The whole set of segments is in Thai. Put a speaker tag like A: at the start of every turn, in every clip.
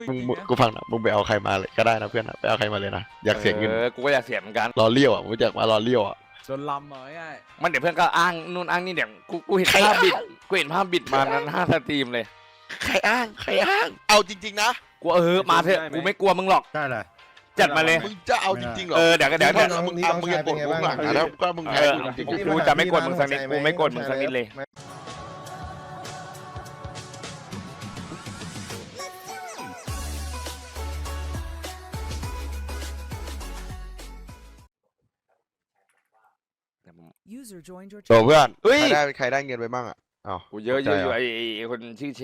A: มึง
B: จริงนะ
A: กูฟังนะมึงไปเอาใครมาเลยก็ได้นะเพื่อนนะไปเอาใครมาเลยนะอยากเสียเงิน
C: กูก็อยากเสียเหมือนกัน
A: รอเลี้ยวอ่ะมึงอยากมารอเลี้ยวอ่ะ
B: โดนลำเหรอง่าย
C: มันเดี๋ยวเพื่อนก็อ้างนู่นอ้างนี่เดี๋ยวกูเห็น
A: ใคร
C: ภาพบิด
A: อ้าง
C: กูเห็นภาพบิดมานั้น5 สตรีมเลย
A: ใครอ้างใครอ้างเอาจริงๆนะ
C: กูมาเถอะกูไม่กลัวมึงหรอก
D: ได้เลย
C: จัดมาเลย
A: มึงจะเอาจริงๆเหรอ
C: เดี๋ยวก็เดี๋ยว
A: มึงเอามึงเอามึงจะปลดมุ้งหลังนะแล้วก็มึงแพ้กูจริง
C: กูจะไม่กดมึงสักนิดกูไม่กดมึงสักนิดเลย
E: User joined your
A: ๆตัว
E: channel.
A: เพื่อน
C: เฮ้ย
A: ใครได้เงินไปบ้างอ่ะอ้าว
C: กูเยอะ
A: ใช่
C: อยู่
A: เหรอ
C: ไอ้คนชื่อเช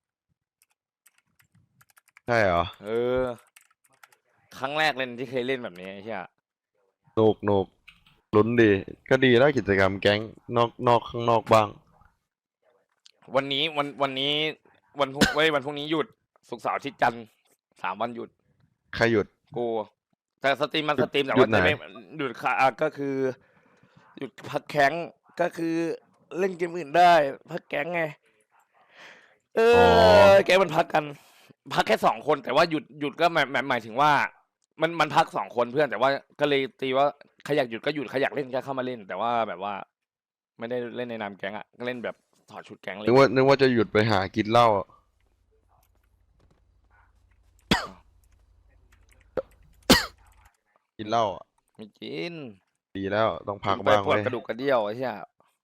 A: ใช่เหรอ
C: ครั้งแรกเล่นที่เคยเล่นแบบนี้ใช่ไหม
A: หนุกลุ้นดีก็ดีแล้วกิจกรรมแก๊งนอกข้างนอกบ้าง
C: วันนี้วันพรุ่งนี้หยุดศุกร์เสาร์อาทิตย์จันทร์3 วันหยุด
A: ใครหยุด
C: กูแต่สตรีมมันสตรีมแต่
A: หยุ
C: ว่า
A: ดไหน
C: จะไม่หยุดค่ะก็คือหยุดพักแข้งก็คือเล่นเกมอื่นได้พักแก๊งไงแก๊งมันพักกัน พักแค่2 คนแต่ว่าหยุดก็หมายถึงว่า มันพัก2 คนเพื่อนแต่ว่าก็เลยตีว่าใครอยากหยุดก็หยุดใครอยากเล่นก็เข้ามาเล่น แต่ว่าแบบว่า ไม่ได้เล่นในนามแก๊งอ่ะก็เล่นแบบถอดชุดแก๊งเลย
A: นึกว่าจะหยุดไปหากินเหล้าอะกินเหล้าอะ
C: ไม่กิน
A: ดีแล้วต้องพัก
C: ไป
A: บ้าง
C: ปวด
A: เว้ย
C: กระดูกกระเดี่ยวไอ้เหี้ย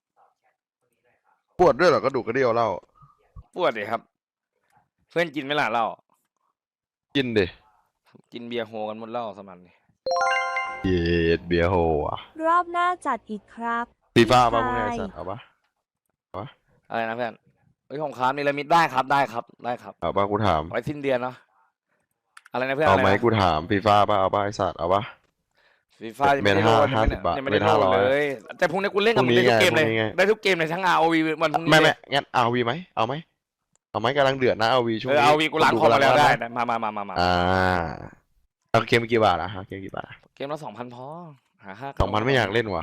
A: ปวดด้วยเหรอกระดูกกระเดี่ยวเหล้า
C: ปวดเลยครับ เพื่อนกินไหมล่ะเหล้า
A: กินดิ
C: กินเบียร์โฮกันหมดเหล้าสมันนี่
A: เย็ดเบียร์โฮอ่ะ
F: รอบหน้าจัดอีกครับ
A: ฟีฟ่าป่ะ
F: ใช่
A: มึงไงสัตว์เอาปะ
C: อะไรนะเพื่อนเฮ้ยของค้ามีละมิดได้ครับได้ครับ
A: เอาปะกูถาม
C: ไว้สิ้นเดือนเนาะอะไรนะเพื่อน
A: เอา
C: อะไร
A: ไหม
C: นะ
A: กูถามฟีฟ่าป่ะเอาปะไอสัตว์เอาปะ
C: ฟีฟ่ายังไม่ได้โหลด
A: เมตร50 บาท
C: ยังไม่ได้โหลด
A: เมตร500
C: เลยแต่พรุ่งนี้กูเล่นกับมึง
A: พรุ่
C: ได้
A: งนี้
C: ทุกเกมเลย
A: ไง
C: ได้ทุกเกมเลยทั้ง ROV วันพรุ่งนี้
A: ไม่
C: เลย
A: งั้นเอาวีไหมเอาไหมกำลังเดือดนะเอาวีช่วงนี้
C: เอาวีกูล้างคอมมาแล้วได้
A: นะ
C: นะมา
A: เอาเกมกี่บาทอะฮะเกมกี่บาทอะ
C: เกมละ2,000พอหา5
A: 2,000ไม่อยากเล่นว่ะ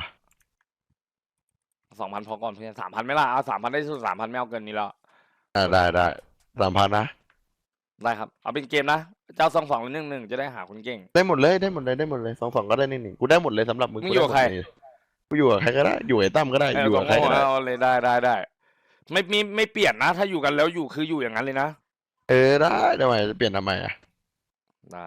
C: 2,000พอก่อนเพื่อน3,000ไม่ล่ะเอา3,000ได้สุด3,000ไม่เอาเกินนี้แล้ว
A: ได้3,000นะ
C: ได้ครับเอาเป็นเกมนะเจ้า2-2หรือ1-1จะได้หาคนเก่ง
A: ได้หมดเลย2-2ก็ได้1-1กูได้หมดเลยสำหรับมึง
C: มึงอยู่กับใคร
A: กูอยู่กับใครก็ได้อยู่ไอ้ตั้มก็ได้อยู่กับใครก็ได้
C: เอาเลยได้ไม่เปลี่ยนนะ ถ้าอยู่กันแล้วอยู่คืออยู่อย่างนั้นเลยนะ
A: ได้ทำไมจะเปลี่ยนทำไมอะ
C: ได้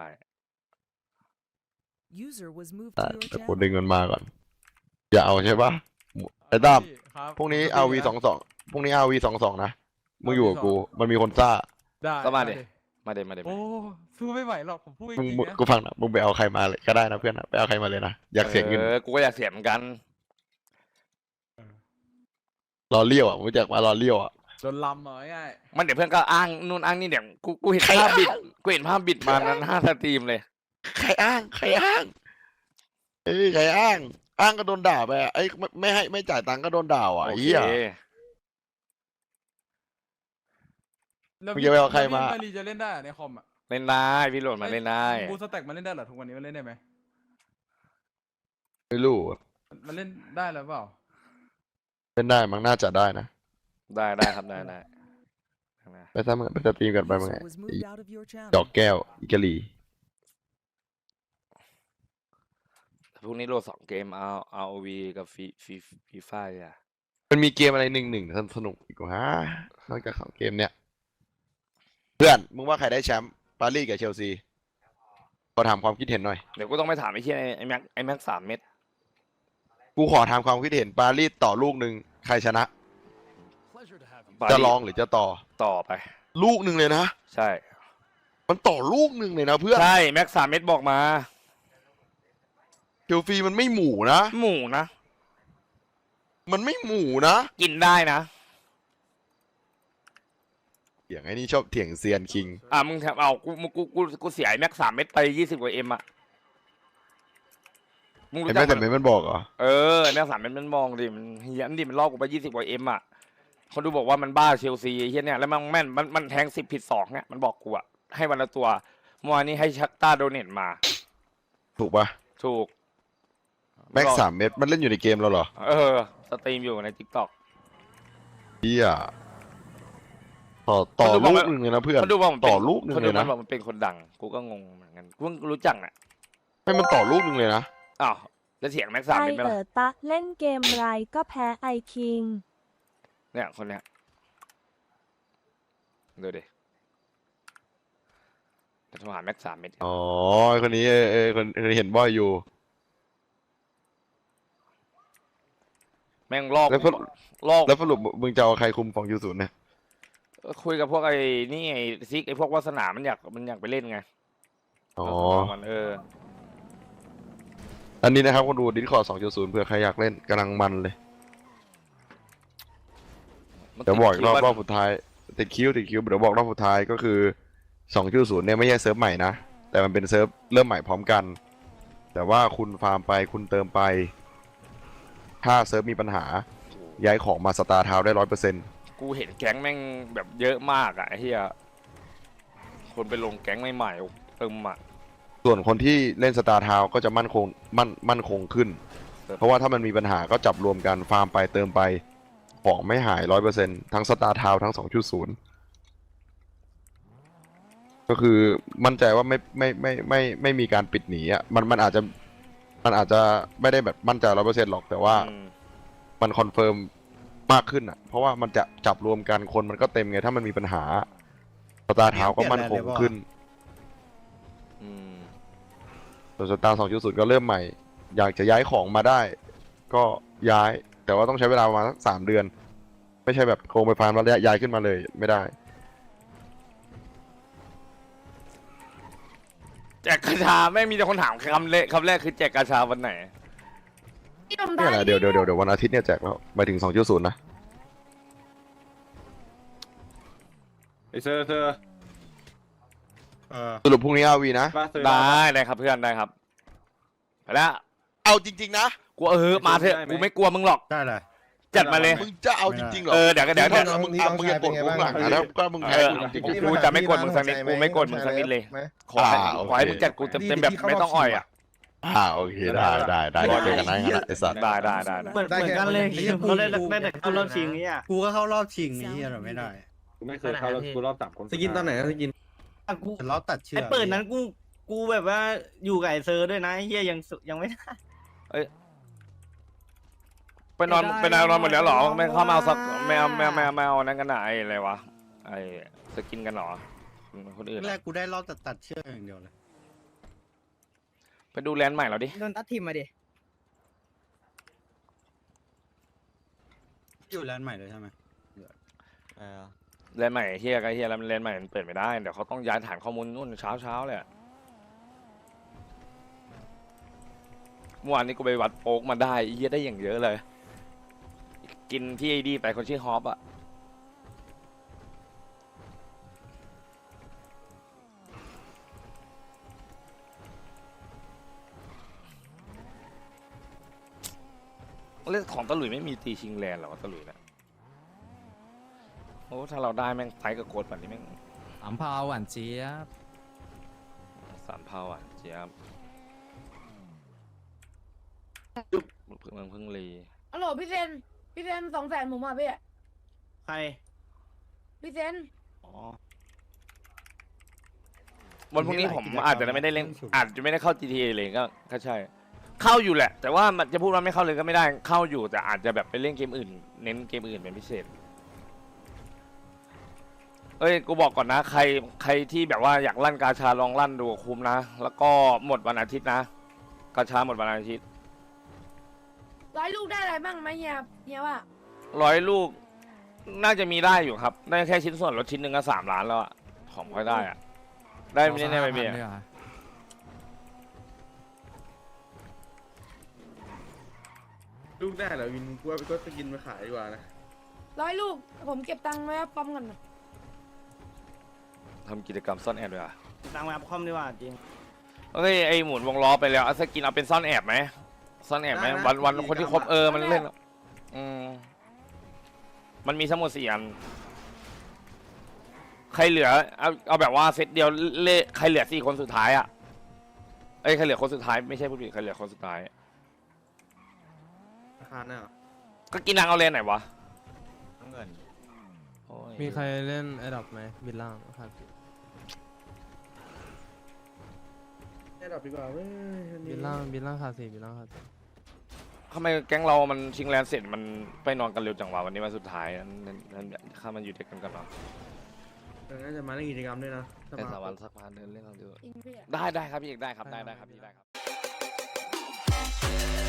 E: User was moved
A: ได้
E: to your
A: แต่กู
E: channel.
A: ดึงเงินมาก่อนอย่าเอาใช่ปะไอ้ตั้ม
B: ครับ
A: พรุ่งนี้เอาวี22พรุ่งนี้เอาวี22นะมึงอยู่กับกูมันมีคนซ่า
B: ได้
C: ก็มาดิ
B: ได้
C: มาเดมา
B: โอ้สู้ไม่ไหวหรอกผมพูดจ
A: มึง
B: ริงๆนะ
A: กูฟังนะมึงไปเอาใครมาเลยก็ได้นะเพื่อนนะไปเอาใครมาเลยนะอยากเสียเงิน
C: กูก็อยากเสียเหมือนกัน
A: รอเลี้ยวอ่ะมึงอยากมารอเลี้ยวอ่ะ
B: โดนลำเหรอง่าย
C: มันเดี๋ยวเพื่อนก็อ้างนู่นอ้างนี่เดี๋ยวกูเห็นภาพบิดกูเห็นภาพบิดมานั้น5 สตรีมเลย
A: ใครอ้างใครอ้างก็โดนด่าไปอะไม่ให้ไม่จ่ายตังค์ก็โดนด่าอ่ะ
C: โอ
A: ไอ้
C: เค
A: เหี้ย
B: แล้ว
A: มึงจะไปเอาใครมา
B: พี่จะเล่นได้อะในคอมอ่ะ
C: เล่นได้พี่โหลดมาเล่นได้
B: บูสแต็กมันเล่นได้เหรอทุกวันนี้มันเล่นได้ไหม
A: ไม่รู้อะ
B: มันเล่นได้แล้วเปล่า
A: เล่นได้มั้งน่าจะได้นะ
C: ได้ครับได้
A: ไปซะมึงไปสตรีมกันไปมึง
E: User was moved out of your
A: ดอก
E: channel.
A: แก้วอิกาลี
C: พรุ่งนี้โหลด2 เกมเอา ROV กับฟีฟ่าอ่ะ
A: มันมีเกมอะไร1-1สนุกอีกว่านอกจาก2เกมเนี้ยเพื่อนมึงว่าใครได้แชมป์ปารีสกับเชลซีขอถามความคิดเห็นหน่อย
C: เดี๋ยวกูต้องไปถามไอ้เชี่ยไอ้แม็ก3 เม็ด
A: กูขอถามความคิดเห็นปารีสต่อลูกหนึ่งใครชนะ จะลองหรือจะต่อ
C: ไป
A: ลูกหนึ่งเลยนะ
C: ใช่
A: มันต่อลูกหนึ่งเลยนะเพื่อน
C: ใช่แม็ก3 เม็ดบอกมา
A: เชลซีมันไม่หมูนะ
C: หมูนะ
A: มันไม่หมูนะ
C: กินได้นะ
A: เถียงไอ้นี่ชอบเถียงเซียนคิง
C: มึงแถมกูเสียไอ้แม็ก3 เม็ดไป20 กว่าM อ่ะมึง
A: เห็น
C: รู้
A: ไหม
C: จัก
A: แต่
C: มัน
A: ไม่มันบอกเหรอ
C: ไอ้แม็ก3 เม็ดมันมองดิมันเฮี้ยนดิมันลอกกูไป20 กว่าM อ่ะคนดูบอกว่ามันบ้าเชลซีไอ้เฮี้ยเนี่ยแล้วมันแม่นมันแทง10 ผิด2เนี่ยมันบอกกูอ่ะให้วันละตัวเมื่อวานนี้ให้ชักต้าโดเนทมา
A: ถูกปะ
C: ถูก
A: แม็ก3 เม็ดมันเล่นอยู่ในเกมเราเหรอ
C: สตรีมอยู่ใน TikTok
A: เฮียต่อ
C: มันดู
A: ลู
C: ว่าก
A: หนึ่งเลยนะเพื่อน
C: เขาดูว่ามันเป็น
A: ต่อลูกหนึ่ง
C: เขา
A: เล
C: ดู
A: ย
C: มั
A: นะ
C: นบอกมันเป็นคนดังกูก็งงเหมือนกันกูเพิ่งรู้จักน่ะ
A: ให้มันต่อลูกหนึ่งเลยนะ
C: อ้าวแล้วเสียงแม็กซ์สาม
F: ไอ
C: เป็นไหม
F: เอ๋
C: ล่ะ
F: อตะเล่นเกมไรก็แพ้ไอคิง
C: เนี่ยคนเนี้ยดูดิจะโทรหาแม็กซ์สามเม็ด
A: อ๋อคนนี้คนเห็นบ่อยอยู่
C: แม่งลอก
A: แล้ว
C: ลอก
A: แล้วสรุปมึงจะเอาใครคุมของยูศูนย์เนี่ย
C: คุยกับพวกไอ้นี่ไอ้ซิกไอ้พวกวาสนามันอยากไปเล่นไง
A: อ๋อ
C: มัน
A: อันนี้นะครับคนดูดิสคอร์ด2.0เผื่อใครอยากเล่นกำลังมันเลย
C: มัน
A: เดี๋ยวบอกอีกรอบ
C: คิด
A: ร
C: ว่า
A: อบสุดท้ายติดคิวเดี๋ยวบอกรอบสุดท้ายก็คือ2.0เนี่ยไม่ใช่เซิร์ฟใหม่นะแต่มันเป็นเซิร์ฟเริ่มใหม่พร้อมกัน แต่ว่าคุณฟาร์มไปคุณเติมไป ถ้าเซิร์ฟมีปัญหาย้ายของมาสตาร์ทาวน์ได้100%
C: กูเห็นแก๊งแม่งแบบเยอะมากอ่ะไอ้เหี้ยคนไปลงแก๊งใหม่ๆเติมอ่ะ
A: ส่วนคนที่เล่นสตาร์ทาวน์ก็จะมั่นคงขึ้น
C: ครับ
A: เพราะว่าถ้ามันมีปัญหาก็จับรวมกันฟาร์มไปเติมไปของไม่หาย100%ทั้งสตาร์ทาวน์ทั้ง2.0ก็คือมั่นใจว่าไม่มีการปิดหนีอ่ะมันอาจจะไม่ได้แบบมั่นใจ100%หรอกแต่ว่า
C: อืม
A: มันคอนเฟิร์มมากขึ้นอ่ะ เพราะว่ามันจะจับรวมกันคนมันก็เต็มไงถ้ามันมีปัญหาสตาร์ทาวน์ก็มั่นคงขึ้น
C: อืม
A: ส่วนสตาร์2.0ก็เริ่มใหม่ อยากจะย้ายของมาได้ ก็ย้าย แต่ว่าต้องใช้เวลาประมาณสัก3 เดือน ไม่ใช่แบบโครงไปฟาร์มแล้วย้ายขึ้นมาเลยไม่ได้
C: แจกกระชาแม่งมีแต่คนถามคำแรกคือแจกกระชาวันไหน
A: เนี่ยแหละเดี๋ยววันอาทิตย์เนี่ยแจกแล้วไปถึง2.0นะ
D: ไอเซอร์
A: สรุปพรุ่งนี้อาวีนะ
D: มาเซอร์
C: ได้ครับเพื่อนได้ครับไปแล้ว
A: เอาจริงๆนะ
C: กูมาเถอะกูไม่กลัวมึงหรอก
G: ได้เลย
C: จัดมาเลย
A: มึงจะเอาจริงๆเหรอ
C: เดี๋ยวก็เดี๋ยว
A: มึงมึงอย่ากดกูหลังนะแล้วก็มึงแพ้กูจริง
C: กูจะไม่กดมึงสักนิดกูไม่กดมึงสักนิดเลยขอให้
A: โอเค
C: ขอให้มึงจัดกูเต็มแบบไม่ต้องอ่อยอ่ะ
A: โอเคได้เจอกันนะงั้นนะไอ้สัตว์
C: ได้
H: เหมือนกันเลยเขาเล่นได้แต่เข้ารอบชิงนี้อ่ะ
G: กูก็เข้ารอบชิงนี้เราไม่ได้
D: กูไม่เคยเข้ารอบกูรอบ3 คน
I: สกินตอนไหนสกิน
H: กู
G: แต่เราตัดเชือก
H: ไอ้เปิดนั้นกูแบบว่าอยู่กับไอ้เซอร์ด้วยนะไอ้เฮียยังไม่ได้
C: ไปนอนหมดแล้วเหรอไม่เข้ามาเอาสักไม่เอานั่นกันนะไอ้อะไรวะไอ้สกินกันเหรอคนอื่น
G: แรกกูได้รอบตัดเชือกอย่างเดียวเลย
C: ไปดูแลนด์ใหม่เราดิ
J: โดนตัดทีมมาดิ
G: อยู่แลนด์ใหม่เลยใช่ไหม
C: แลนด์ใหม่เฮียกับเฮียแล้วแลนด์ใหม่มันเปิดไม่ได้เดี๋ยวเขาต้องย้ายฐานข้อมูลนู่นเช้าเลยอะเมื่อวานนี้กูไปวัดโป๊กมาได้เฮียได้อย่างเยอะเลย กินที่ไอ้ดีไปคนชื่อฮอปอะเล่นของตะหลุยไม่มีตีชิงแลนด์เหรอวะตะหลุยนะโอ้ถ้าเราได้แม่งไฟกับโกดแบบนี้แม่ง
I: 3 พาวหวานเจี๊ยบ
C: 3 เผาอ่ะเจี๊ยบเพิ่งรี
J: ฮัลโหลพี่เซน200,000ผมอ่ะพี่
H: ใคร
J: พี่เซน
H: อ๋อ
C: วันพรุ่งนี้ผมอาจจะไม่ได้เล่นอาจจะไม่ได้เข้า GTA เลยก็ใช่ เข้าอยู่แหละ แต่ว่ามันจะพูดว่าไม่เข้าเลยก็ไม่ได้เข้าอยู่แต่อาจจะแบบไปเล่นเกมอื่น เน้นเกมอื่นเป็นพิเศษ เอ้ยกูบอกก่อนนะใครที่แบบว่าอยากลั่นกาชาลองลั่นดูคุ้มนะแล้วก็หมดวันอาทิตย์นะกาชาหมดวันอาทิตย์
J: 100 ลูกได้อะไรบ้างไหมเฮียว่า
C: 100 ลูก น่าจะมีได้อยู่ครับ ได้แค่ชิ้นส่วนรถชิ้นหนึ่งก็3 ล้านแล้วอะของค่อยได้อะได้ไม่ได้ไม่มีอะ
I: ลูกได้เหรอวินกูว่าก็สกินมาขายดีกว่านะ
J: 100 ลูก ผมเก็บตังค์ไว้ปั๊มกันนะ
C: ทำกิจกรรมซ่อนแอบด้วยอะ
H: ตังมาคอมดีกว่าจริง
C: เอ้ยไอหมุนวงล้อไปแล้วเอาสกินเอาเป็นซ่อนแอบไหมซ่อนแอบไหมวันคนที่ครบมันเล่นมันมีทั้งหมด4 อันใครเหลือเอาแบบว่าเซตเดียวใครเหลือ4 คนสุดท้ายอะเอ้ยใครเหลือคนสุดท้ายไม่ใช่ผู้ผิดใครเหลือคนสุดท้าย
I: ราคาเนี่ยเหรอ
C: ก็กินนางเอาเลนไหนวะโอ้ย
K: มีใครเล่นไอดับไหมบินล่างครับ
I: ได้ดับดีกว่าเว้ยวันนี้
K: บินล่างขาดสี่บินล่างขาดสี่
C: ทำไมแก๊งเรามันชิงแลนด์เสร็จมันไปนอนกันเร็วจังวะวันนี้วันสุดท้ายนั้นข้ามันอยู่เด็กกันกันเนาะ
I: น่าจะมาเล่นกิจกรรมด้วยนะถ้
C: แต่
I: มา
C: สามวันสักพักเดินเล่นกันเดียว
J: จริงพี่อะ
C: ได้ครับพี่เอกได้ครับได้ครับพี่ได้ครับ